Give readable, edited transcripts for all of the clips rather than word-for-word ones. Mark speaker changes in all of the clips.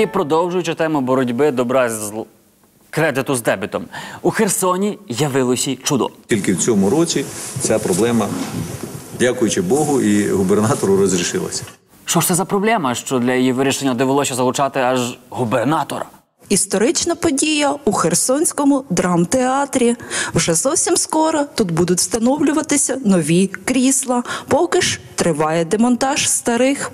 Speaker 1: І продовжуючи тему боротьби добра з кредиту з дебітом, у Херсоні явилося чудо.
Speaker 2: Тільки в цьому році ця проблема, дякуючи Богу і губернатору, розрішилася.
Speaker 1: Що ж це за проблема, що для її вирішення довелося залучати аж губернатора?
Speaker 3: Історична подія у Херсонському драмтеатрі. Вже зовсім скоро тут будуть встановлюватися нові крісла. Поки ж триває демонтаж старих.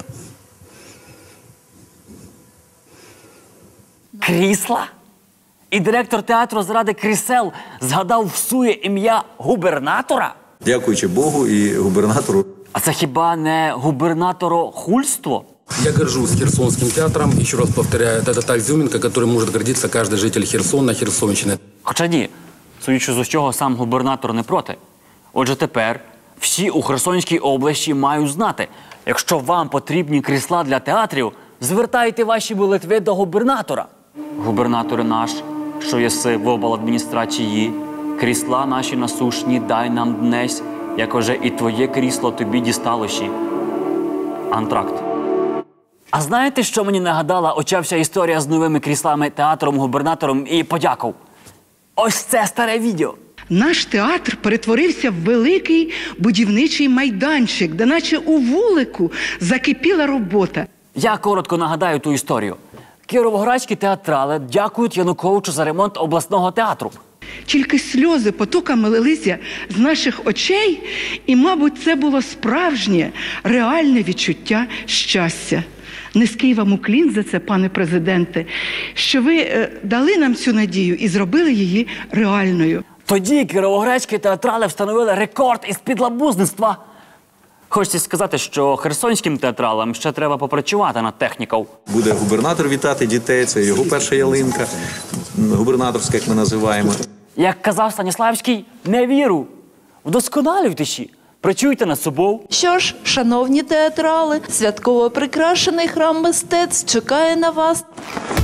Speaker 1: Крісла? І директор театру заради крісел згадав всує ім'я губернатора?
Speaker 2: Дякуючи Богу і губернатору.
Speaker 1: А це хіба не губернаторохульство?
Speaker 4: Я горжусь Херсонским театром. Еще раз повторяю, это та изюминка, которой может гордиться каждый житель Херсона, Херсонщины.
Speaker 1: Хоча ні, судячи з усього, сам губернатор не проти. Отже, тепер всі у Херсонській області мають знати, якщо вам потрібні крісла для театрів, звертайте ваші молитви до губернатора. Губернаторе наш, що єси в обладміністрації, крісла наші насушні дай нам днесь, як уже і твоє крісло тобі дісталоші. Антракт. А знаєте, що мені нагадала оця вся історія з новими кріслами, театром, губернатором і подяков? Ось це старе відео.
Speaker 5: Наш театр перетворився в великий будівничий майданчик, де наче у вулику закипіла робота.
Speaker 1: Я коротко нагадаю ту історію. Кіровоградські театрали дякують Януковичу за ремонт обласного театру.
Speaker 5: Тільки сльози потоками лилися з наших очей, і, мабуть, це було справжнє, реальне відчуття щастя. Низький вам уклін за це, пане президенте, що ви дали нам цю надію і зробили її реальною.
Speaker 1: Тоді кіровоградські театрали встановили рекорд із підлабузництва. Хочеться сказати, що херсонським театралам ще треба попрацювати над технікою.
Speaker 2: Буде губернатор вітати дітей, це його перша ялинка, губернаторська, як ми називаємо.
Speaker 1: Як казав Станіславський, не віру, вдосконалюйтеся, працюйте над собою.
Speaker 3: Що ж, шановні театрали, святково прикрашений храм мистецтв чекає на вас.